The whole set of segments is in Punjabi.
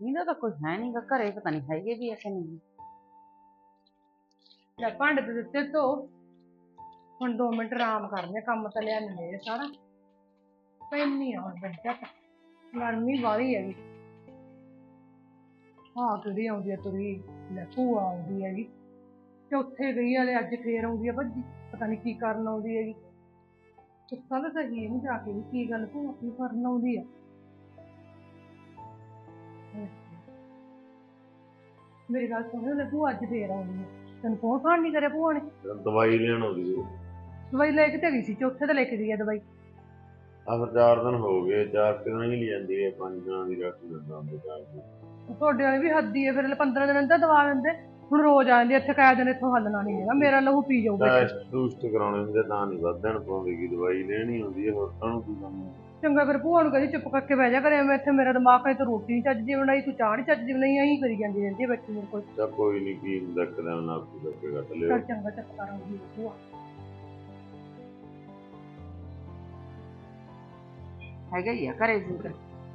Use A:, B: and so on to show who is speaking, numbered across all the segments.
A: ਇਹਦਾ ਤਾਂ ਕੋਈ ਹੈ ਨਹੀਂਗਾ ਘਰੇ, ਪਤਾ ਨਹੀਂ ਹੈਗੇ ਵੀ ਐ ਕਿ ਨਹੀਂ।
B: ਲੈ ਭਾਂਡੇ ਤੇ ਦਿੱਤੇ ਧੋ, ਹੁਣ 2 ਮਿੰਟ ਆਰਾਮ ਕਰਨੇ, ਕੰਮ ਤਾਂ ਲਿਆ ਮੇਰੇ ਸਾਰਾ ਪੈਣੀ ਆ ਹੁਣ ਬੈਠਾ। ਗਰਮੀ ਵਾਲੀ ਹੈਗੀ। ਹਾਂ ਕਿਹੜੀ ਆਉਂਦੀ ਆ ਤੁਰੀ, ਲੈ ਭੂਆ ਆਉਂਦੀ ਹੈਗੀ, ਚੌਥੇ ਗਈ ਹਲੇ, ਅੱਜ ਫੇਰ ਆਉਂਦੀ ਆ ਭੱਜੀ, ਪਤਾ ਨਹੀਂ ਕੀ ਕਰਨ ਆਉਂਦੀ ਹੈਗੀ। ਪੁੱਛਾਂ ਤਾਂ ਸਹੀ ਇਹਨੂੰ ਜਾ ਕੇ ਵੀ ਕੀ ਗੱਲ ਭੂਆ ਕੀ ਕਰਨ ਆਉਂਦੀ ਆ। ਮੇਰੀ ਗੱਲ ਸੁਣ, ਲੈ ਭੂਆ ਅੱਜ ਫੇਰ ਆਉਂਦੀ ਆ, ਤੈਨੂੰ ਫੋਨ ਫਾਨ ਨਹੀਂ ਕਰਿਆ ਭੂਆ ਨੇ?
C: ਦਵਾਈ ਲੈਣ ਆਉਂਦੀ ਹੈ।
B: ਦਵਾਈ ਲੈ ਕੇ ਤੇ ਗਈ ਸੀ, ਚੌਥੇ ਤੇ ਲੈ ਕੇ ਗਈ ਆ ਦਵਾਈ।
C: ਫਿਰ 4 ਦਿਨ ਹੋ ਗਏ, 4 ਦਿਨ ਹੀ ਲਈ ਜਾਂਦੀ ਹੈ, 5 ਦਿਨਾਂ ਦੀ ਰੈਸਟ ਦਿੰਦਾ ਹੁੰਦੇ 4 ਦਿਨ।
B: ਤੁਹਾਡੇ ਵਾਲੀ ਵੀ ਹੱਦੀ ਹੈ, ਫਿਰ 15 ਦਿਨ ਦਾ ਦਵਾ ਦਿੰਦੇ, ਹੁਣ ਰੋਜ਼ ਆ ਜਾਂਦੀ ਇੱਥੇ, ਕਾਇਆ ਦਿਨ ਇੱਥੋਂ ਹੱਲਣਾ ਨਹੀਂ ਹੈਗਾ, ਮੇਰਾ ਲਹੂ ਪੀ ਜਾਊਗਾ।
C: ਟੈਸਟ ਟੂਸਟ ਕਰਾਉਣੇ ਹੁੰਦੇ ਤਾਂ ਨਹੀਂ ਵੱਧਣ ਪਾਉਂਦੀ, ਕੀ ਦਵਾਈ ਲੈਣੀ ਹੁੰਦੀ ਹੈ, ਹੋਰ ਕਾਹਨੂੰ ਕੀ ਕਰਨਾ।
B: ਚੰਗਾ ਫਿਰ ਭੂਆ ਨੂੰ ਕਹਿੰਦੀ ਚੁੱਪ ਕਰਕੇ ਬਹਿ ਜਾ ਕਰੇ, ਮੈਂ ਇੱਥੇ ਮੇਰਾ ਦਿਮਾਗ ਕਹੇ ਤੂੰ ਰੋਟੀ ਨਹੀਂ ਚੱਜ ਦੀ ਬਣਾਈ, ਤੂੰ ਚਾਹ ਨਹੀਂ ਚੱਜ ਦੀ ਬਣਾਈ, ਐਂ ਕਰੀ ਜਾਂਦੀ ਰਹਿੰਦੀ ਹੈ ਬੈਠੀ ਮੇਰੇ ਕੋਲ।
C: ਚੱਲ ਕੋਈ ਨਹੀਂ, ਕੀ ਹੁੰਦਾ, ਇੱਕ ਦਿਨ ਨਾਲ ਕਰਕੇ ਕੱਟ ਲਿਓ।
B: ਚੱਲ ਚੰਗਾ ਚੱਪ ਕਰਾਂਗੀ ਭੂਆ।
A: ਹੈਗਾ ਹੀ ਆ ਘਰੇ ਜੂਰ।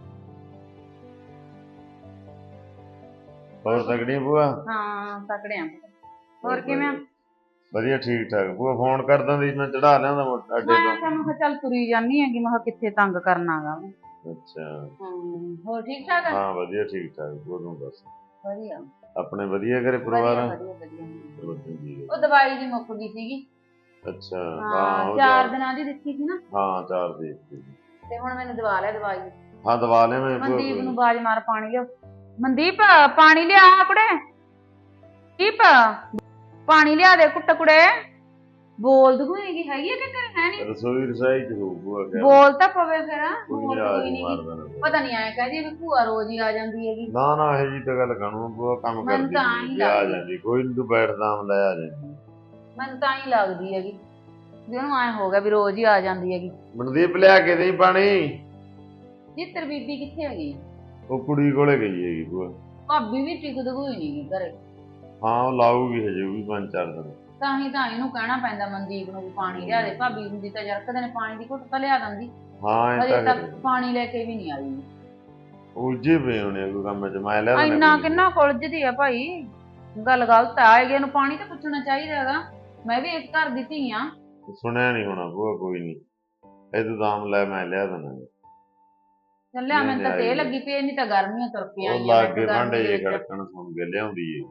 C: ਹੋਰ ਤਕੜੀ ਭੂਆ?
A: ਹਾਂ ਤਕੜੇ ਆ। ਹੋਰ ਕਿਵੇਂ?
C: ਵਧੀਆ ਠੀਕ ਠਾਕ। ਭੂਆ ਫੋਨ ਕਰ ਦਿੰਦੀ, ਮੈਂ ਚੜਾ ਲਿਆਂਦਾ ਅੱਡੇ ਤੋਂ।
A: ਮੈਂ ਕਿਹਾ ਚੱਲ ਤੁਰੀ ਜਾਂਦੀ ਹੈਗੀ, ਮੈਂ ਕਿਹਾ ਕਿੱਥੇ ਤੰਗ ਕਰਨਾਗਾ।
C: ਅੱਛਾ
A: ਹੋਰ ਠੀਕ ਠਾਕ ਆ?
C: ਹਾਂ ਵਧੀਆ ਠੀਕ ਠਾਕ। ਤੂੰ ਦੱਸ?
A: ਵਧੀਆ।
C: ਆਪਣੇ ਵਧੀਆ ਘਰੇ ਪਰਿਵਾਰ?
A: ਵਧੀਆ। ਉਹ ਦਵਾਈ ਦੀ ਮੁੱਕ ਗਈ ਸੀਗੀ।
C: ਅੱਛਾ
A: ਹਾਂ 4 ਦਿਨਾਂ ਦੀ ਦਿੱਤੀ ਸੀ ਨਾ।
C: ਹਾਂ 4 ਦੀ
A: ਤੇ ਹੁਣ ਮੈਨੂੰ ਦਵਾ ਲਿਆ ਦਵਾਈ।
C: ਹਾਂ ਦਵਾ ਲਿਆ ਮੈਂ।
A: ਮਨਦੀਪ ਨੂੰ ਆਵਾਜ਼ ਮਾਰ, ਪਾਣੀ ਲਿਓ। ਮਨਦੀਪ ਪਾਣੀ ਲਿਆ ਕੁੜੇ। ਦੀਪ ਪਾਣੀ ਲਿਆ ਦੇ ਕੁੱਟ ਕੁੜੇ। ਬੋਲ ਦੂ ਹੈਗੀ ਆ ਕਿ ਘਰੇ ਹੈ ਨਹੀਂ?
C: ਰਸੋਈ ਰਸਾਈ ਚ ਹੋਊਗਾ।
A: ਬੋਲ ਤਾਂ ਪਵੇ ਫਿਰ। ਪਤਾ ਨਹੀਂ ਆਇਆ ਕਹਦੀ ਵੀ ਭੂਆ ਰੋਜ਼ ਹੀ ਆ ਜਾਂਦੀ ਹੈਗੀ।
C: ਨਾ ਨਾ ਇਹ ਜੀ ਤਾਂ ਗੱਲ ਕਾਹਨੂੰ, ਭੂਆ ਕੰਮ ਕਰਦੀ ਆ ਜਾਂਦੀ, ਕੋਈ ਨੀ ਤੂੰ ਬੈਠਦਾ ਆਮ ਲੈ ਆ ਜਾਂਦੀ।
A: ਮੈਨੂੰ ਤਾਂ ਹੀ ਲੱਗਦੀ ਹੈਗੀ ਵੀ ਉਹਨੂੰ ਐ ਹੋ ਗਿਆ ਵੀ ਰੋਜ਼ ਹੀ ਆ ਜਾਂਦੀ ਹੈਗੀ।
C: ਮਨਦੀਪ ਲਿਆ ਕੇ ਦੇਈ ਪਾਣੀ।
A: ਜਿੱਤਰ ਬੀਬੀ ਕਿੱਥੇ ਹੈਗੀ?
C: ਉਹ ਕੁੜੀ ਕੋਲੇ ਗਈ ਹੈਗੀ ਭੂਆ।
A: ਭਾਬੀ ਵੀ ਟਿਕਦੀ ਹੋਈ ਨਹੀਂ ਘਰੇ।
C: ਹਾਂ ਉਹ ਲਾਊਗੀ ਹਜੇ ਵੀ 5-4 ਦਿਨ।
A: ਤਾਂ ਹੀ ਤਾਂ ਇਹਨੂੰ ਕਹਿਣਾ ਪੈਂਦਾ ਮਨਦੀਪ ਨੂੰ ਵੀ ਪਾਣੀ ਲਿਆ ਦੇ। ਭਾਬੀ ਹੁੰਦੀ ਤਾਂ ਯਾਰ ਕਦੇ ਨੇ ਪਾਣੀ ਦੀ ਘੁੱਟ ਤਾਂ ਲਿਆ ਦਿੰਦੀ।
C: ਹਾਂ
A: ਹਜੇ ਤੱਕ ਪਾਣੀ ਲੈ ਕੇ ਵੀ ਨਹੀਂ ਆਈ।
C: ਉਲਝੇ ਪਏ ਹੋਣੇ ਕੋਈ ਕੰਮ ਚ, ਮੈਂ ਲਿਆ
A: ਇੰਨਾ ਕਿੰਨਾ ਉਲਝਦੀ ਆ ਭਾਈ, ਗੱਲ ਗਲਤ ਆ। ਆਏਗੇ ਨੂੰ ਪਾਣੀ ਤਾਂ ਪੁੱਛਣਾ ਚਾਹੀਦਾ ਹੈਗਾ। ਮੈਂ ਵੀ ਇਸ ਘਰ ਦੀ ਧੀ ਆ।
C: ਸੁਣਿਆ ਨਹੀਂ ਹੋਣਾ ਭੂਆ, ਕੋਈ ਨਹੀਂ ਇਹ ਤੂੰ ਦਾਮ ਲੈ, ਮੈਂ ਲਿਆ ਦੇਣਾ।
A: ਚੱਲਿਆ ਮੈਨੂੰ ਤਾਂ ਤੇ ਲੱਗੀ ਪਈ, ਨਹੀਂ ਤਾਂ ਗਰਮੀਆਂ ਤੁਰ ਕੇ ਆਈਆਂ।
C: ਉਹ ਲਾਗੇ ਭਾਂਡੇ ਜੇ ਖੜਕਣ ਸੁਣ ਕੇ ਲਿਆਉਂਦੀ ਏ।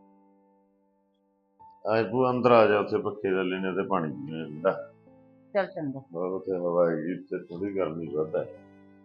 C: ਆਏ ਭੂਆ ਅੰਦਰ ਆ ਜਾ, ਉੱਥੇ ਪੱਖੇ ਥੱਲੇ ਨੇ ਤੇ ਪਾਣੀ ਪੀਣਾ।
A: ਚੱਲ ਚੰਗਾ।
C: ਉੱਥੇ ਹਵਾ ਹੈਗੀ, ਇੱਥੇ ਥੋੜੀ ਗਰਮੀ ਵੱਧ ਹੈ।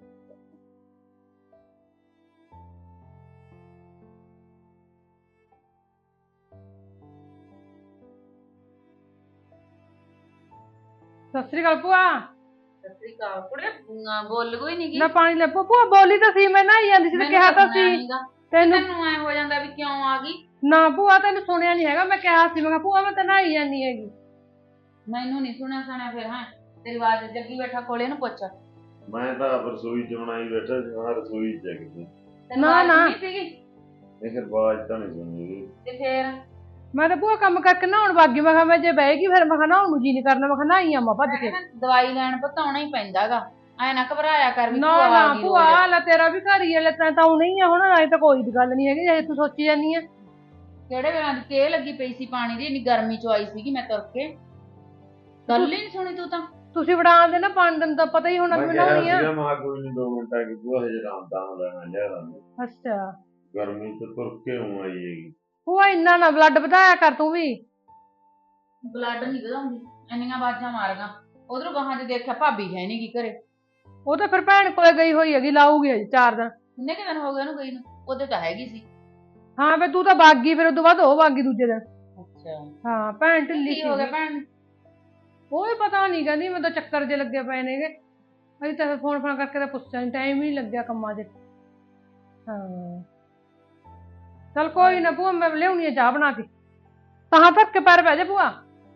B: ਸਤਿ ਸ੍ਰੀ ਅਕਾਲ ਭੂਆ।
A: ਸਤਿ ਸ੍ਰੀ ਅਕਾਲ ਕੁੜੇ, ਬੋਲ ਕੋਈ ਨਹੀਂ
B: ਨਾ ਪਾਣੀ ਲੈ ਭੂਆ। ਬੋਲੀ ਤਾਂ ਸੀ, ਮੈਂ ਨਹਾਈ ਜਾਂਦੀ ਸੀ ਤੇ ਕਿਹਾ ਤਾਂ ਸੀ
A: ਤੈਨੂੰ ਐ ਹੋ ਜਾਂਦਾ ਵੀ ਕਿਉਂ ਆ ਗਈ।
B: ਨਾ ਭੂਆ ਤੈਨੂੰ ਸੁਣਿਆ ਨਹੀਂ ਹੈਗਾ, ਮੈਂ ਕਿਹਾ ਸੀ, ਮੈਂ ਕਿਹਾ ਭੂਆ ਮੈਂ ਤਾਂ ਨਹਾਈ ਜਾਂਦੀ ਹੈਗੀ।
A: ਮੈਨੂੰ ਨਹੀਂ ਸੁਣਿਆ ਸੁਣਿਆ ਫਿਰ। ਹਾਂ ਤੇਰੀ ਆਵਾਜ਼ ਜੱਗੀ ਬੈਠਾ ਕੋਲੇ ਨੂੰ ਪੁੱਛ।
C: ਮੈਂ ਤਾਂ ਰਸੋਈ ਚ ਬਣਾਈ ਬੈਠਾ ਸੀ, ਹਾਂ ਰਸੋਈ ਚ ਕਿਤੇ
B: ਨਾ ਨਾ
C: ਇਹ ਫਿਰ ਆਵਾਜ਼ ਤਾਂ ਨਹੀਂ ਸੁਣੀ
A: ਤੇ ਫਿਰ
B: ਮੈਂ ਤਾਂ ਭੂਆ ਕੰਮ ਕਰਕੇ ਨਹਾਉਣ ਵਾਗੀ। ਮੈਂ ਕਿਹਾ ਮੈਂ ਜੇ ਬਹਿ ਗਈ ਫਿਰ ਮੈਂ ਕਿਹਾ ਨਹਾਉਣ ਨੂੰ ਜੀ ਨਹੀਂ ਕਰਨਾ, ਮੈਂ ਕਿਹਾ ਨਹਾਈ ਆਵਾਂ ਭੱਜ ਕੇ।
A: ਦਵਾਈ ਲੈਣ ਪਤਾਉਣਾ ਹੀ ਪੈਂਦਾਗਾ, ਐ ਨਾ ਘਬਰਾਇਆ ਕਰ।
B: ਨਾ ਨਾ ਭੂਆ ਲੈ ਤੇਰਾ ਵੀ ਘਰ ਹੀ ਹੈ, ਲੈ ਤਾਂ ਉਹ ਨਹੀਂ ਆ ਹੁਣ, ਅਜੇ ਤਾਂ ਕੋਈ ਗੱਲ ਨਹੀਂ ਹੈਗੀ ਜੇ ਤੂੰ ਸੋਚੀ ਜਾਂਦੀ ਆ।
A: ਕਿਹੜੇ ਵੇਲੇ ਦੀ ਤੇਲ ਲੱਗੀ ਪਈ ਸੀ ਪਾਣੀ ਦੀ, ਇੰਨੀ ਗਰਮੀ ਚ ਆਈ ਸੀਗੀ ਮੈਂ ਤੁਰ ਕੇ। ਗੱਲ ਹੀ ਨਹੀਂ ਸੁਣੀ ਤੂੰ ਤਾਂ।
B: ਤੁਸੀਂ ਵੜਾ ਦੇ ਨਾ 5 ਦਿਨ ਦਾ ਪਤਾ ਹੀ ਹੋਣਾ ਵੀ ਨਹਾਉਣੀ ਆ।
C: ਮੈਂ ਕੋਈ ਨਹੀਂ 2 ਮਿੰਟ ਆ ਕੇ ਭੂਆ ਹਜੇ ਆਰਾਮ ਤਾਂ ਲੈਣਾ ਲਿਆ।
B: ਅੱਛਾ
C: ਗਰਮੀ ਚ ਤੁਰ ਕੇ ਆਉਂ ਆਈ ਹੈਗੀ।
B: ਭੂਆ ਇੰਨਾ ਨਾ ਬਲੱਡ ਵਧਾਇਆ ਕਰ ਤੂੰ ਵੀ।
A: ਬਲੱਡ ਨਹੀਂ ਵਧਾਉਂਦੀ, ਇੰਨੀਆਂ ਆਵਾਜ਼ਾਂ ਮਾਰੀਆਂ ਉਧਰੋਂ ਗਾਹਾਂ ਚ ਦੇਖਿਆ ਭਾਬੀ ਹੈ ਨੀ ਗੀ ਘਰੇ।
B: ਉਹ ਤਾਂ ਫਿਰ ਭੈਣ ਕੋਲੇ ਗਈ ਹੋਈ ਹੈਗੀ, ਲਾਊਗੀ ਅਜੇ 4 ਦਿਨ।
A: ਕਿੰਨੇ ਕੁ ਦਿਨ ਹੋ ਗਏ ਉਹਨੂੰ ਗਈ ਨੂੰ? ਉਹਦੇ ਤਾਂ ਹੈਗੀ ਸੀ।
B: ਹਾਂ ਫਿਰ ਤੂੰ ਤਾਂ ਬਾਗੀ, ਫਿਰ ਉਦੋਂ ਬਾਅਦ ਉਹ ਬਾਗੀ ਦੂਜੇ ਦਿਨ।
A: ਅੱਛਾ
B: ਹਾਂ ਭੈਣ ਢਿੱਲੀ ਸੀ।
A: ਹੋ ਗਿਆ ਭੈਣ?
B: ਉਹ ਵੀ ਪਤਾ ਨਹੀਂ, ਕਹਿੰਦੀ ਮੈਨੂੰ ਤਾਂ ਚੱਕਰ ਜੇ ਲੱਗੇ ਪਏ ਨੇਗੇ। ਅਸੀਂ ਤਾਂ ਫੋਨ ਕਰਕੇ ਤਾਂ ਪੁੱਛਿਆ ਨੀ, ਟਾਈਮ ਹੀ ਨਹੀਂ ਲੱਗਿਆ ਕੰਮਾਂ 'ਚ। ਹਾਂ ਚੱਲ ਕੋਈ ਨਾ ਭੂਆ, ਮੈਂ ਲਿਆਉਣੀ ਆ ਚਾਹ ਬਣਾ ਕੇ। ਤਾਂ ਧੱਕ ਕੇ ਪੈਰ ਪੈ ਜਾ ਭੂਆ।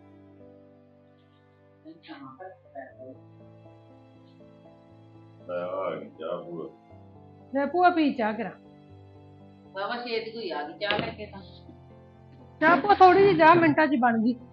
B: ਲੈ ਭੂਆ ਪੀ ਚਾਹ ਕਰਾ।
A: ਬਾਬਾ ਛੇਤੀ ਕੋਈ ਆ ਗਈ ਚਾਹ ਲੈ ਕੇ। ਤਾਂ
B: ਚਾਹ ਭੂਆ ਥੋੜੀ ਜਿਹੀ ਚਾਹ ਮਿੰਟਾਂ 'ਚ ਬਣ ਗਈ।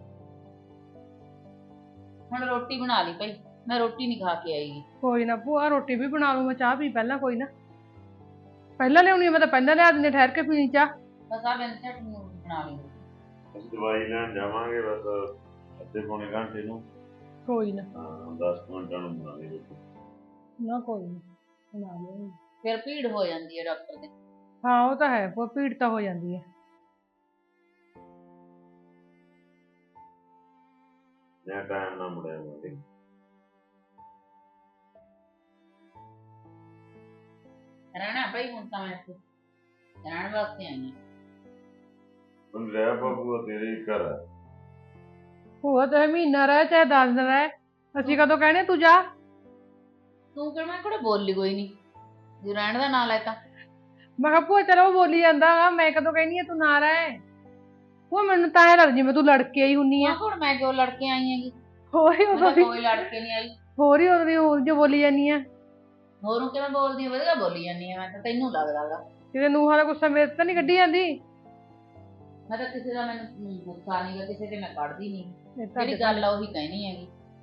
A: ਹੁਣ ਰੋਟੀ ਬਣਾ ਲਈ ਭਾਈ, ਮੈਂ ਰੋਟੀ ਨਹੀਂ ਖਾ ਕੇ ਆਈਗੀ।
B: ਕੋਈ ਨਾ ਭੂਆ ਰੋਟੀ ਵੀ ਬਣਾ ਲੂ, ਮੈਂ ਚਾਹ ਪੀ ਪਹਿਲਾਂ। ਕੋਈ ਨਾ ਪਹਿਲਾਂ ਲਿਆਉਣੀ ਆ, ਮੈਂ ਤਾਂ ਪਹਿਲਾਂ ਲਿਆ ਦਿੰਦੀ ਠਹਿਰ ਕੇ ਪੀਣੀ ਚਾਹ।
A: ਬਸ ਆ ਬਿੰਦ ਚਟਨੀ ਬਣਾ ਲਈ।
C: ਅਸੀਂ ਦਵਾਈ ਲੈਣ ਜਾਵਾਂਗੇ ਬਸ ਅੱਧੇ ਪੌਣੇ ਘੰਟੇ ਨੂੰ।
B: ਕੋਈ ਨਾ।
C: ਹਾਂ 10 ਮਿੰਟਾਂ ਨੂੰ ਬਣਾ ਲਈ ਰੋਟੀ।
B: ਨਾ ਕੋਈ ਨਾ ਬਣਾ ਲਿਆਉਂਗੀ।
A: ਫਿਰ ਭੀੜ ਹੋ ਜਾਂਦੀ ਹੈ ਡਾਕਟਰ ਦੇ।
B: ਹਾਂ ਉਹ ਤਾਂ ਹੈ, ਭੀੜ ਤਾਂ ਹੋ ਜਾਂਦੀ ਹੈ।
C: ਜਾਂ ਟਾਈਮ ਨਾਲ ਮੁੜਿਆ ਆਵਾਂਗੇ।
A: ਰਹਿਣਾ ਭਾਈ ਹੁਣ ਤਾਂ ਮੈਂ ਇੱਥੇ ਰਹਿਣ ਵਾਸਤੇ ਆਈ ਹਾਂ।
C: ਹੁਣ ਰਹਿ ਬਾਬੂ ਤੇਰੇ ਹੀ ਘਰ ਹੈ।
B: ਭੂਆ ਚਾਹੇ ਮਹੀਨਾ ਰਹਿ ਚਾਹੇ 10 ਦਿਨ ਰਹਿ, ਅਸੀਂ ਕਦੋਂ ਕਹਿਣੇ ਤੂੰ ਜਾ।
A: ਤੂੰ ਕਿਹੜਾ ਮੈਂ ਕੋਲ ਬੋਲੀ ਕੋਈ ਨਹੀਂ ਜੇ ਰਹਿਣ ਦਾ ਨਾਂ ਲੈ ਤਾਂ।
B: ਮੈਂ ਕਿਹਾ ਭੂਆ ਚਲੋ ਉਹ ਬੋਲੀ ਜਾਂਦਾ ਵਾ, ਮੈਂ ਕਦੋਂ ਕਹਿਣੀ ਆ ਤੂੰ ਨਾ ਰਹਿ। ਭੂਆ ਮੈਨੂੰ ਤਾਂ ਐ ਲੱਗਦਾ ਜਿਵੇਂ ਤੂੰ ਲੜ ਕੇ ਆਈ ਹੁੰਨੀ ਆ।
A: ਹੁਣ ਮੈਂ ਕਿਉਂ ਲੜ ਕੇ ਆਈ ਹੈਗੀ?
B: ਹੋਰ ਹੀ
A: ਮੈਂ
B: ਉਦੋਂ
A: ਤਾਂ
B: ਦੀ
A: ਕੋਈ ਲੜ ਕੇ ਨਹੀਂ ਆਈ।
B: ਹੋਰ ਹੀ ਉਦੋਂ ਦੀ ਹੋਰ ਜੋ ਬੋਲੀ ਜਾਂਦੀ ਆ।
A: ਹੋਰੋਂ ਕਿਵੇਂ ਬੋਲਦੀ ਆ? ਵਧੀਆ ਬੋਲੀ ਜਾਂਦੀ ਆ ਮੈਂ ਤਾਂ, ਤੈਨੂੰ ਲੱਗਦਾਗਾ।
B: ਕਿਤੇ ਨੂੰਹਾਂ ਦਾ ਗੁੱਸਾ ਮੇਰੇ ਤਾਂ ਨਹੀਂ ਕੱਢੀ ਜਾਂਦੀ।
A: ਮੈਂ ਤਾਂ ਕਿਸੇ ਦਾ ਮੈਨੂੰ ਗੁੱਸਾ ਨਹੀਂਗਾ, ਕਿਸੇ ਤੇ ਮੈਂ ਕੱਢਦੀ ਨਹੀਂ।
B: ਇਹ ਤਾਂ
A: ਜਿਹੜੀ ਗੱਲ ਆ ਉਹੀ ਕਹਿਣੀ ਹੈਗੀ।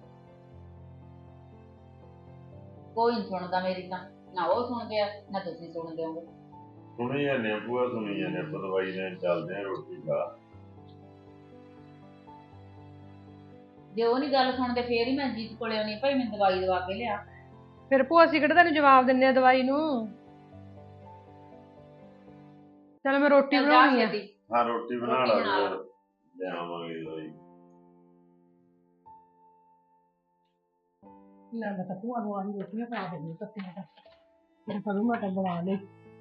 A: ਕੋਈ ਨਹੀਂ ਸੁਣਦਾ ਮੇਰੀ ਤਾਂ, ਨਾ ਉਹ ਸੁਣਦੇ ਆ ਨਾ ਤੁਸੀਂ ਸੁਣਦੇ ਹੋਗੇ।
C: ਸੁਣੀ ਜਾਂਦੇ ਆ ਭੂਆ, ਸੁਣੀ ਜਾਂਦੇ ਆਪਾਂ ਦਵਾਈ ਲੈਣ ਚੱਲਦੇ ਆ, ਰੋਟੀ ਖਾ।
A: ਜੇ ਉਹ ਨਹੀਂ ਗੱਲ ਸੁਣਦੇ ਫੇਰ ਹੀ ਮੈਂ ਜੀਤ ਕੋਲੇ ਆਉਣੀ ਭਾਈ ਮੈਨੂੰ ਦਵਾਈ ਦਵਾ ਕੇ ਲਿਆ।
B: ਫਿਰ ਭੂਆ ਅਸੀਂ ਕਿਹੜਾ ਤੈਨੂੰ ਜਵਾਬ ਦਿੰਨੇ ਆ ਦਵਾਈ ਨੂੰ। ਚਲ ਮੈਂ ਰੋਟੀ ਬਣਾਉਣੀ ਆ।
C: ਹਾਂ ਰੋਟੀ ਬਣਾ ਲਾ ਫਿਰ ਲਿਆਵਾਂਗੇ ਦਵਾਈ।
B: ਲੈ ਮੈਂ ਤਾਂ ਭੂਆ ਨੂੰ ਆਹੀ ਰੋਟੀਆਂ ਪਾ ਦੇਣੀ ਕੱਟੀਆਂ ਤਾਂ ਫਿਰ ਕਦੋਂ ਮੈਂ ਤਾਂ ਬਣਾ ਲਈ।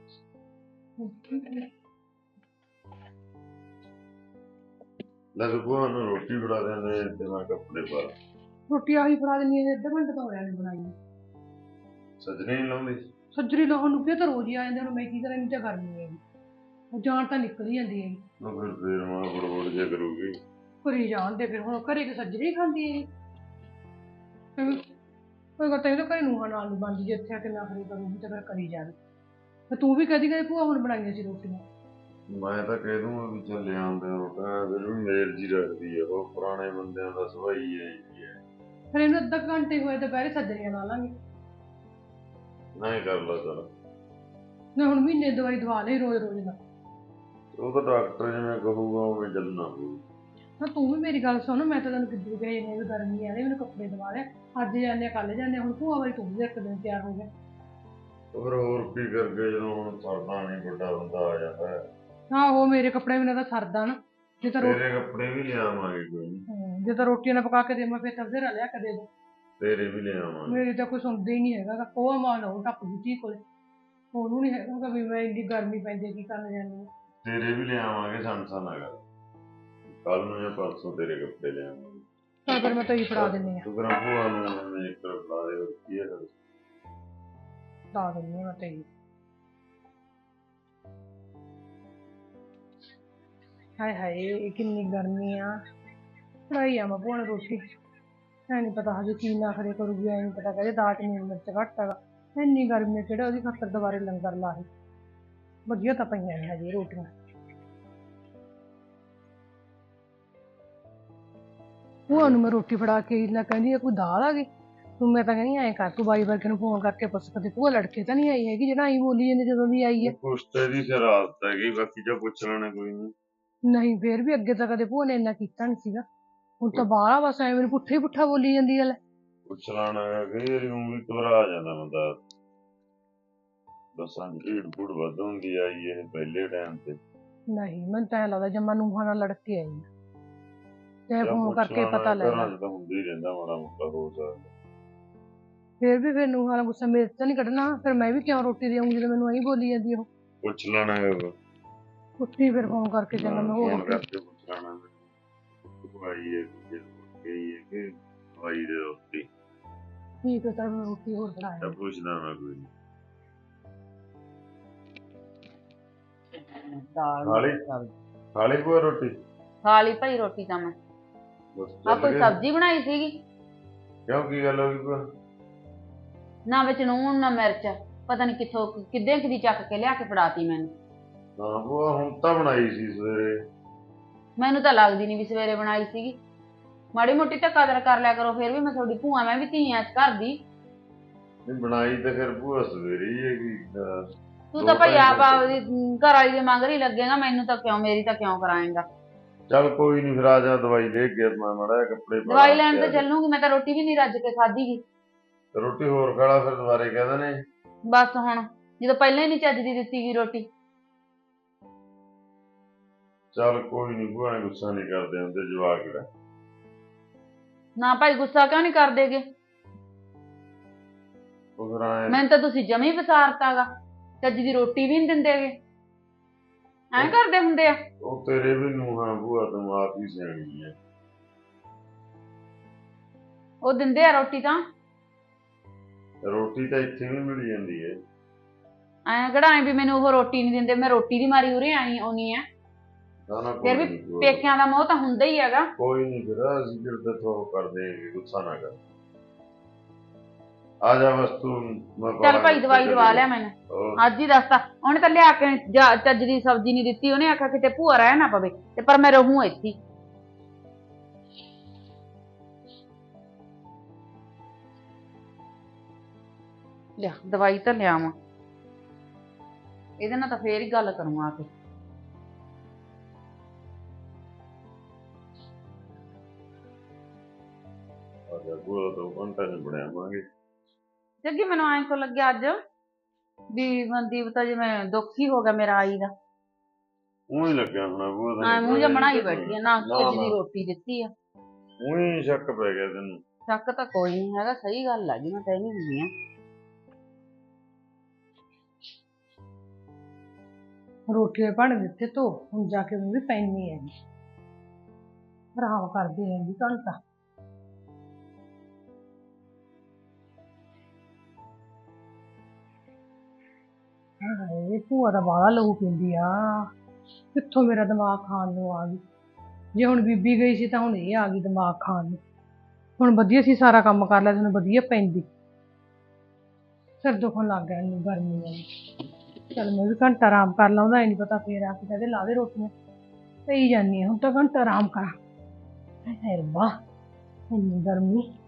C: ਲੈ ਭੂਆ ਨੂੰ ਰੋਟੀ ਫੜਾ ਦਿੰਦੇ ਤੇ ਮੈਂ ਕੱਪੜੇ ਪਾ ਲਾ।
B: ਰੋਟੀ ਆਹੀ ਫੜਾ ਦਿੰਨੀ ਆ, ਅੱਧਾ ਘੰਟਾ ਤਾਂ ਹੋਇਆ ਨਹੀਂ ਬਣਾਈ।
C: ਸੱਜਣੀ ਨੀ ਲਾਉਂਦੀ।
B: ਸੱਜਰੀ ਲਾਉਣ ਨੂੰ ਕੀ ਤਾਂ ਰੋਜ਼ ਹੀ ਆ ਜਾਂਦੇ, ਹੁਣ ਮੈਂ ਕੀ ਕਰਾਂ, ਇੰਨੀ ਤਾਂ ਗਰਮੀ ਹੈਗੀ, ਉਹ ਜਾਣ ਤਾਂ ਨਿਕਲ ਹੀ ਜਾਂਦੀ ਹੈਗੀ।
C: ਉਹ ਫਿਰ ਮਾਂ ਬੜਬੜ ਜਿਹਾ ਕਰੂਗੀ।
B: ਘਰੇ ਜਾਣ ਦੇ ਫਿਰ, ਹੁਣ ਘਰੇ ਕਿ ਸੱਜਰੀ ਖਾਂਦੀ ਹੈਗੀ। ਕੋਈ ਗੱਲ ਤਾਂ ਘਰੇ ਨੂੰਹਾਂ ਨਾਲ ਨਹੀਂ ਬਣਦੀ, ਜੇ ਇੱਥੇ ਆ ਕੇ ਨਾ ਕਰੀ ਕਰੂਗੀ ਤਾਂ ਫਿਰ ਕਰੀ ਜਾਵੇ। ਤੇ ਤੂੰ ਵੀ ਕਦੀ ਕਦੇ ਭੂਆ ਹੁਣ ਬਣਾਈਆਂ ਸੀ ਰੋਟੀਆਂ।
C: ਮੈਂ ਤਾਂ ਕਹਿ ਦੂੰਗਾ ਵੀ ਚੱਲ ਆਉਂਦੇ ਰੋਟੀਆਂ, ਫਿਰ ਵੀ ਮੇਲ ਜੀ ਰੱਖਦੀ ਆ, ਉਹ ਪੁਰਾਣੇ ਬੰਦਿਆਂ ਦਾ ਸਵਾਈ ਹੈ।
B: ਫਿਰ ਇਹਨੂੰ ਅੱਧਾ ਘੰਟੇ ਹੋਏ ਦੁਪਹਿਰੇ ਸੱਜਰੀਆਂ ਲਾ ਲਾਂਗੇ।
C: ਨਹੀਂ ਕਰ ਲਾ ਚੱਲ।
B: ਨਾ ਹੁਣ ਮਹੀਨੇ ਦਵਾਈ ਦਵਾ ਲਈ ਰੋਜ਼ ਰੋਜ਼ ਦਾ।
C: ਉਹ ਤਾਂ ਡਾਕਟਰ ਜਿਵੇਂ ਕਹੂਗਾ ਉਵੇਂ ਚੱਲਣਾ ਪਊ।
B: ਨਾ ਤੂੰ ਵੀ ਮੇਰੀ ਗੱਲ ਸੁਣ, ਮੈਂ ਤਾਂ ਤੈਨੂੰ ਕਿੱਦਾਂ ਕਹੀ ਜਾਂਦੀ ਵੀ ਗਰਮੀ ਆ ਰਹੀ, ਮੈਨੂੰ ਕੱਪੜੇ ਦਵਾ ਲਿਆ, ਅੱਜ ਜਾਂਦੇ ਕੱਲ ਜਾਂਦੇ, ਹੁਣ ਭੂਆ ਵਾਲੀ ਤੂੰ ਵੀ ਇੱਕ ਦਿਨ ਤਿਆਰ ਹੋ ਗਿਆ।
C: ਫਿਰ ਹੋਰ ਕੀ ਕਰਕੇ ਜਦੋਂ ਹੁਣ ਸਰਦਾ ਨਹੀਂ, ਵੱਡਾ ਬੰਦਾ ਆ ਜਾਂਦਾ ਹੈ।
B: ਹਾਂ ਉਹ ਮੇਰੇ ਕੱਪੜੇ ਬਿਨਾਂ ਤਾਂ ਸਰਦਾ ਨਾ। ਜੇ ਤਾਂ
C: ਤੇਰੇ ਕੱਪੜੇ ਵੀ ਲਿਆਵਾਂਗੇ ਕੋਈ ਨਹੀਂ।
B: ਜੇ ਤਾਂ ਰੋਟੀਆਂ ਨਾ ਪਕਾ ਕੇ ਦੇਵਾਂ ਫਿਰ ਤਾਂ ਬਥੇਰਾ ਲਿਆ ਕੇ ਦੇ ਦੋ।
C: ਤੇਰੇ ਵੀ ਲਿਆਵਾਂਗੇ।
B: ਮੇਰੀ ਤਾਂ ਕੋਈ ਸੁਣਦਾ ਹੀ ਨਹੀਂ ਹੈਗਾ, ਉਹ ਮਾਂ ਉਹ ਟੱਪ ਗਈ ਧੀ ਕੋਲੇ, ਉਹਨੂੰ ਨਹੀਂ ਹੈਗਾ ਵੀ ਮੈਂ ਇੰਨੀ ਗਰਮੀ ਪੈਂਦੀ ਕੀ ਕਰਨ ਜਾਂਦੀ ਹਾਂ।
C: ਤੇਰੇ ਵੀ ਲਿਆਵਾਂਗੇ, ਸੰਸਾ ਕਰ ਕੱਲ ਨੂੰ ਜਾਂ ਪਰਸੋਂ ਤੇਰੇ ਕੱਪੜੇ ਲਿਆਵਾਂਗੇ।
B: ਤਾਂ ਫਿਰ ਮੈਂ ਤਾਂ ਹੀ ਫੜਾ ਦਿੰਦੀ
C: ਤੂੰ ਫਿਰ ਭੂਆ ਨੂੰ ਇੱਕ ਫੜਾ ਦੇ, ਕੀ ਹੈ ਫਿਰ
B: ਫੜਾ ਦਿੰਦੀ ਮੈਂ ਤਾਂ ਹੀ। ਹਾਏ ਹਾਏ ਕਿੰਨੀ ਗਰਮੀ ਆ, ਫੜਾਈ ਆ ਮੈਂ ਭੂਆ ਨੂੰ ਰੋਟੀ। ਐ ਨਹੀਂ ਪਤਾ ਹਜੇ ਕੀ ਨਾ ਖਰੇ ਕਰੂਗੀ, ਐ ਨਹੀਂ ਪਤਾ ਕਹਿੰਦੇ ਦਾਲ ਚ ਨੂਣ ਮਿਰਚ ਘੱਟ ਹੈਗਾ। ਇੰਨੀ ਗਰਮੀ ਕਿਹੜਾ ਉਹਦੀ ਖਾਤਰ ਦੁਬਾਰੇ ਲੰਗਰ ਲਾਏ, ਵਧੀਆ ਤਾਂ ਪਈਆਂ ਨੇ ਹਜੇ ਰੋਟੀਆਂ। ਭੂਆ ਨੂੰ ਮੈਂ ਰੋਟੀ ਫੜਾ ਕੇ ਲੈ ਕਹਿੰਦੀ ਕੋਈ ਦਾਲ ਆ ਗਈ, ਤੂੰ ਮੈਂ ਤਾਂ ਕਹਿੰਦੀ ਐਂ ਕਰ ਤੂੰ ਬਾਈ ਵਰਗੇ ਨੂੰ ਫੋਨ ਕਰਕੇ ਪੁੱਛ ਕਦੇ ਭੂਆ ਲੜਕੇ ਤਾਂ ਨਹੀਂ ਆਈ ਹੈਗੀ, ਜਿਹੜਾ ਆਈ ਬੋਲੀ ਜਾਂਦੀ ਜਦੋਂ ਦੀ ਆਈ ਹੈ।
C: ਕੁਛ ਤੇ ਦੀ ਫਿਰ ਆਦਤ ਹੈਗੀ, ਬਾਕੀ ਜੋ ਪੁੱਛ ਲੈਣਾ ਕੋਈ ਨਹੀਂ।
B: ਨਹੀਂ ਫੇਰ ਵੀ ਅੱਗੇ ਤਾਂ ਕਦੇ ਭੂਆ ਨੇ ਇੰਨਾ ਕੀਤਾ ਨਹੀਂ ਸੀਗਾ, ਹੁਣ ਤਾਂ ਬਾਹਲਾ ਬਸ ਐਵੇਂ ਮੈਨੂੰ ਪੁੱਠਾ ਹੀ ਪੁੱਠਾ ਬੋਲੀ ਜਾਂਦੀ ਹੈ।
C: ਪੁੱਛ ਲੈਣਾ ਕਈ ਵਾਰੀ ਊਂ ਵੀ ਘਬਰਾ ਜਾਂਦਾ ਬੰਦਾ। ਦੱਸਾਂ ਭੀੜ ਭੂੜ ਵੱਧ ਹੁੰਦੀ ਆਈ ਇਹ ਪਹਿਲੇ ਟਾਈਮ ਤੇ।
B: ਨਹੀਂ ਮੈਨੂੰ ਤਾਂ ਐਂ ਲੱਗਦਾ ਜਮਾ ਨੂੰਹਾਂ ਨਾਲ ਲੜ ਕੇ ਆਈ ਆ, ਚਾਹੇ ਫੋਨ ਕਰਕੇ ਪਤਾ ਲੈ ਲਾ।
C: ਤਾਂ ਹੁੰਦਾ ਹੀ ਰਹਿੰਦਾ ਮਾੜਾ ਮੋਟਾ, ਹੋ ਸਕਦਾ।
B: ਫਿਰ ਨੂੰਹਾਂ ਦਾ ਗੁੱਸਾ ਮੇਰੇ ਤਾਂ ਨਹੀਂ ਕੱਢਣਾ, ਫਿਰ ਮੈਂ ਵੀ ਕਿਉਂ ਰੋਟੀ ਦੇਵਾਂਗੀ ਜਦੋਂ ਮੈਨੂੰ ਐਂ ਬੋਲੀ ਜਾਂਦੀ ਉਹ।
C: ਪੁੱਛ ਲੈਣਾ
B: ਉੱਠੀ ਫਿਰ ਫੋਨ ਕਰਕੇ ਚੰਗਾ ਮੈਂ ਹੋਰ
C: ਫੋਨ ਕਰਕੇ ਪੁੱਛ ਲੈਣਾ ਭਾਈ ਇਹ ਕਿ ਭਾਈ ਦੇ ਰੋਟੀ
B: ਠੀਕ ਹੈ ਤਾਂ ਮੈਂ ਰੋਟੀ ਹੋਰ ਬਣਾਇਆ।
C: ਪੁੱਛਦਾ ਮੈਂ ਕੋਈ ਨਹੀਂ। ਖਾ ਲਈ ਭੂਆ ਰੋਟੀ?
A: ਖਾ ਲਈ ਭਾਈ ਰੋਟੀ ਤਾਂ ਮੈਂ। ਆ ਕੋਈ ਸਬਜ਼ੀ ਬਣਾਈ ਸੀਗੀ?
C: ਕਿਉਂ ਕੀ ਗੱਲ ਹੋ ਗਈ ਭੂਆ?
A: ਨਾ ਵਿੱਚ ਨੂਣ ਨਾ ਮਿਰਚ, ਪਤਾ ਨਹੀਂ ਕਿੱਥੋਂ ਕਿੱਦਾਂ ਕਿਦੀ ਚੱਕ ਕੇ ਲਿਆ ਕੇ ਫੜਾਤੀ ਮੈਨੂੰ।
C: ਹਾਂ ਭੂਆ ਹੁਣ ਤਾਂ ਬਣਾਈ ਸੀ ਸਵੇਰੇ।
A: ਮੈਨੂੰ ਤਾਂ ਲੱਗਦੀ ਨਹੀਂ ਵੀ ਸਵੇਰੇ ਬਣਾਈ ਸੀਗੀ, ਮਾੜੀ ਮੋਟੀ ਤਾਂ ਕਦਰ ਕਰ ਲਿਆ ਕਰੋ, ਫਿਰ ਵੀ ਮੈਂ ਤੁਹਾਡੀ ਭੂਆ, ਮੈਂ ਵੀ ਧੀ ਆ ਇਸ ਘਰ ਦੀ।
C: ਬਣਾਈ ਤਾਂ ਫਿਰ ਭੂਆ ਸਵੇਰੇ ਹੀ ਹੈਗੀ।
A: ਤੂੰ ਤਾਂ ਭਾਈ ਆਪ ਆਪਦੀ ਘਰ ਵਾਲੀ ਦੇ ਮਗਰ ਹੀ ਲੱਗੇਗਾ, ਮੈਨੂੰ ਤਾਂ ਕਿਉਂ, ਮੇਰੀ ਤਾਂ ਕਿਉਂ ਕਰਾਏਗਾ।
C: ਚੱਲ ਕੋਈ ਨਹੀਂ, ਫਿਰ ਆ ਜਾ, ਦਵਾਈ ਲੈ ਕੇ ਮੈਂ ਮਾੜਾ ਜਿਹਾ ਕੱਪੜੇ ਪਾ
A: ਦਵਾਈ
C: ਲਾਂ
A: ਲੈਣ
C: ਤੇ
A: ਤੇ
C: ਆ ਜਾ।
A: ਚੱਲੂਗੀ, ਮੈਂ ਤਾਂ ਰੋਟੀ ਵੀ ਨਹੀਂ ਰੱਜ ਕੇ ਖਾਧੀ ਗੀ।
C: ਰੋਟੀ ਹੋਰ ਖਾਲਾ, ਫਿਰ ਦੁਬਾਰੇ ਕਹਿ ਦੇਣੇ।
A: ਬਸ ਹੁਣ ਜਦੋਂ ਪਹਿਲਾਂ ਹੀ ਨਹੀਂ ਚੱਜ ਦੀ ਦਿੱਤੀ ਗਈ ਰੋਟੀ।
C: ਚੱਲ ਕੋਈ ਨਹੀਂ, ਭੂਆ ਨੇ ਗੁੱਸਾ ਨਹੀਂ ਕਰਦੇ ਹੁੰਦੇ ਜਵਾਕ ਕਿਹੜਾ।
A: ਨਾ ਭਾਈ ਗੁੱਸਾ ਕਿਉਂ ਨਹੀਂ ਕਰਦੇਗੇ,
C: ਉਹ ਫਿਰ ਐਂ
A: ਮੈਨੂੰ ਤਾਂ ਤੁਸੀਂ ਜਮੀ ਵਿਸਾਰਤਾਗਾ, ਚੱਜ ਦੀ ਰੋਟੀ ਵੀ ਨਹੀਂ ਦਿੰਦੇਗੇ, ਐਂ ਕਰਦੇ ਹੁੰਦੇ ਆ।
C: ਉਹ ਤੇਰੇ ਵੀ ਨੂੰਹਾਂ ਭੂਆ, ਤੂੰ ਆਪ ਹੀ ਸਿਆਣੀ ਹੈ।
A: ਉਹ ਦਿੰਦੇ ਆ ਰੋਟੀ ਤਾਂ,
C: ਰੋਟੀ ਤਾਂ ਇੱਥੇ ਵੀ ਮਿਲ ਜਾਂਦੀ ਹੈ।
A: ਐਂ ਕਿਹੜਾ ਐਂ ਵੀ ਮੈਨੂੰ ਉਹ ਰੋਟੀ ਨਹੀਂ ਦਿੰਦੇ, ਮੈਂ ਰੋਟੀ ਦੀ ਮਾਰੀ ਉਰੇ ਆਈ ਆਉਣੀ ਆ।
C: ਨਾ ਨਾ
A: ਫਿਰ ਵੀ
C: ਕੋਈ ਨਹੀਂ,
A: ਪੇਕਿਆਂ ਦਾ ਮੋਹ ਤਾਂ ਹੁੰਦਾ ਹੀ ਹੈਗਾ।
C: ਕੋਈ ਨਹੀਂ, ਫਿਰ ਅਸੀਂ ਫਿਰ ਤੇ ਥੋ ਕਰਦੇ ਹੈਗੇ, ਗੁੱਸਾ ਨਾ ਕਰ। ਆ ਜਾ ਬਸ ਤੂੰ, ਮੈਂ
A: ਚੱਲ ਭਾਈ ਦਵਾਈ ਦਵਾ ਲਿਆ ਮੈਨੂੰ,
C: ਹੋਰ।
A: ਅੱਜ ਹੀ ਦੱਸਤਾ ਉਹਨੇ ਤਾਂ ਲਿਆ ਕੇ ਚੱਜ ਦੀ ਸਬਜ਼ੀ ਨਹੀਂ ਦਿੱਤੀ, ਉਹਨੇ ਆਖਿਆ ਕਿਤੇ ਭੂਆ ਰਹਿ ਨਾ ਪਵੇ, ਤੇ ਪਰ ਮੈਂ ਰਹੂੰ ਇੱਥੇ। ਲਿਆ ਦਵਾਈ ਤਾਂ ਲਿਆਵਾਂ, ਇਹਦੇ ਨਾਲ ਤਾਂ ਫੇਰ ਹੀ ਗੱਲ ਕਰੂੰ ਆ ਕੇ।
C: ਆ ਜਾ ਭੂਆ, 2 ਘੰਟੇ ਚ ਬਣਾਵਾਂਗੇ।
A: ਜੱਗੀ ਮੈਨੂੰ ਐਂ ਕੋ ਲੱਗਿਆ ਅੱਜ ਵੀ ਮਨਦੀਪ ਤਾਂ ਜਿਵੇਂ ਦੁੱਖ ਹੀ ਹੋ ਗਿਆ ਮੇਰਾ ਆਈ ਦਾ,
C: ਊਂ ਹੀ ਲੱਗਿਆ ਹੋਣਾ ਭੂਆ
A: ਐਂ ਮੂੰਹ ਜਿਹਾ ਬਣਾਈ ਬੈਠੀ ਆ, ਨਾ ਚੱਜ ਦੀ ਰੋਟੀ ਦਿੱਤੀ ਆ।
C: ਊਂ ਹੀ ਸ਼ੱਕ ਪੈ ਗਿਆ ਤੈਨੂੰ।
A: ਸ਼ੱਕ ਤਾਂ ਕੋਈ ਨਹੀਂ ਹੈਗਾ, ਸਹੀ ਗੱਲ ਆ ਜੀ, ਮੈਂ ਕਹਿ ਨਹੀਂ ਹੁੰਦੀ ਆ।
B: ਰੋਟੀ ਦੇ ਭਾਂਡੇ ਦਿੱਤੇ ਧੋ, ਹੁਣ ਜਾ ਕੇ ਮੈਂ ਵੀ ਪੈਣੀ ਹੈਗੀ, ਆਰਾਮ ਕਰਦੀ ਹੈਗੀ ਘੰਟਾ। ਹਾਏ ਭੂਆ ਦਾ ਬਾਹਲਾ ਲਹੂ ਪੀਂਦੀ ਆ, ਕਿੱਥੋਂ ਮੇਰਾ ਦਿਮਾਗ ਖਾਣ ਨੂੰ ਆ ਗਈ। ਜੇ ਹੁਣ ਬੀਬੀ ਗਈ ਸੀ ਤਾਂ ਹੁਣ ਇਹ ਆ ਗਈ ਦਿਮਾਗ ਖਾਣ ਨੂੰ। ਹੁਣ ਵਧੀਆ ਸੀ ਸਾਰਾ ਕੰਮ ਕਰ ਲਿਆ, ਤੈਨੂੰ ਵਧੀਆ ਪੈਂਦੀ, ਸਿਰ ਦੁਖਣ ਲੱਗ ਗਿਆ ਇਹਨੂੰ ਗਰਮੀ ਨਾਲ। ਚੱਲ ਮੈਂ ਵੀ ਘੰਟਾ ਆਰਾਮ ਕਰ ਲਾਂ, ਉਹਦਾ ਨਹੀਂ ਪਤਾ ਫੇਰ ਆ ਕੇ ਕਹਿੰਦੇ ਲਾ ਦੇ ਰੋਟੀਆਂ, ਪਈ ਜਾਂਦੀ ਹਾਂ ਹੁਣ ਤਾਂ ਘੰਟਾ ਆਰਾਮ ਕਰਾਂ। ਹਾਏ ਰੱਬਾ ਇੰਨੀ ਗਰਮੀ।